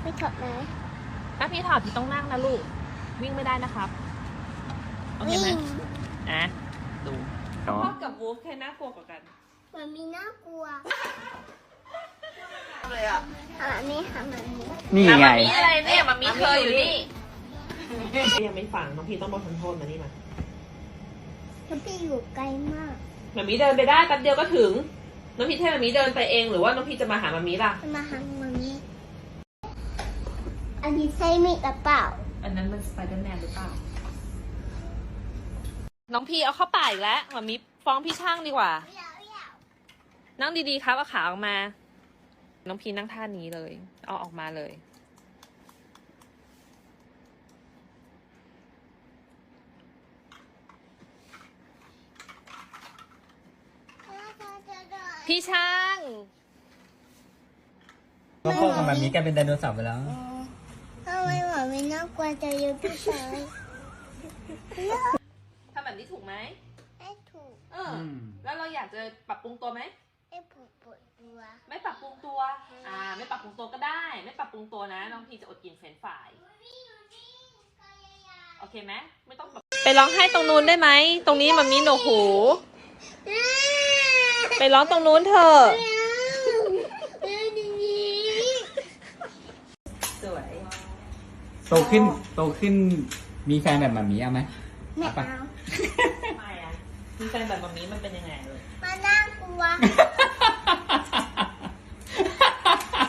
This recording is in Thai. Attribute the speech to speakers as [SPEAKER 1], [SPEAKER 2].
[SPEAKER 1] ไม่ถอดไหม
[SPEAKER 2] ถ้าพี่ถอดพี่ต้องนั่งนะลูกวิ่งไม่ได้นะครับโอเคไหมอ่ะดูพ่อกับวูฟใครน่ากลัวกว่ากัน
[SPEAKER 1] มันมีน่ากลัว
[SPEAKER 2] เลยอ่ะ
[SPEAKER 1] หาไม่หามันนี้
[SPEAKER 3] นี่ไง
[SPEAKER 2] มีอะไรเนี่ยมันมีเธออยู่นี่ยังไม่ฟังน้องพี่ต้องบอกทำโทษมานี่มา
[SPEAKER 1] แล้วพี่อยู่ไกลมาก
[SPEAKER 2] มามีเดินไปได้แป๊บเดียวก็ถึงน้องพี่ให้มามีเดินไปเองหรือว่าน้องพี่จะมาหามามีล่ะ
[SPEAKER 1] จะมาหามันนี้อันนี้ใช่มีดหรือเปล่า
[SPEAKER 2] อันนั้นมันสไปเดอร์แมนหรือเปล่าน้องพี่เอาเข้าป่าอีกแล้วมามีฟ้องพี่ช่างดีกว่า นั่งดีๆครับเอาขาออกมาน้องพี่นั่งท่านี้เลยเอาออกมาเลยพี่ช่าง
[SPEAKER 3] ก็พ่อกับแบบนี้กลายเป็นไดโนเสาร์ไปแล้ว
[SPEAKER 1] ทำไมหมาไม่น่ากลัวจะอยู่พี่ชาย
[SPEAKER 2] ทำแบบนี้ถูกไหม
[SPEAKER 1] ไม่ถูก
[SPEAKER 2] แล้วเราอยากจะปรับปรุงตัวไหม
[SPEAKER 1] ไม่ปวดตัว
[SPEAKER 2] ไม่ปรับปรุงตัว ไม่ปรับปรุงตัวก็ได้ ไม่ปรับปรุงตัวนะ น้องพีจะอดกินเฟรนช์ฟราย โอเคไหมไม่ต้องแบบไปร้องไห้ตรงนู้นได้ไหม ตรงนี้มันมีหนวกหู ไปร้องตรงนู้นเถอะสวย
[SPEAKER 3] โตขึ้นมีแฟนแบบแบบนี้เอาไหม
[SPEAKER 1] ไม่
[SPEAKER 3] เอาปะ
[SPEAKER 1] เอา
[SPEAKER 2] ทำไมอ่ะมีแฟนแบบนี้มันเป็นยังไงเลย
[SPEAKER 1] มันน่ากลัว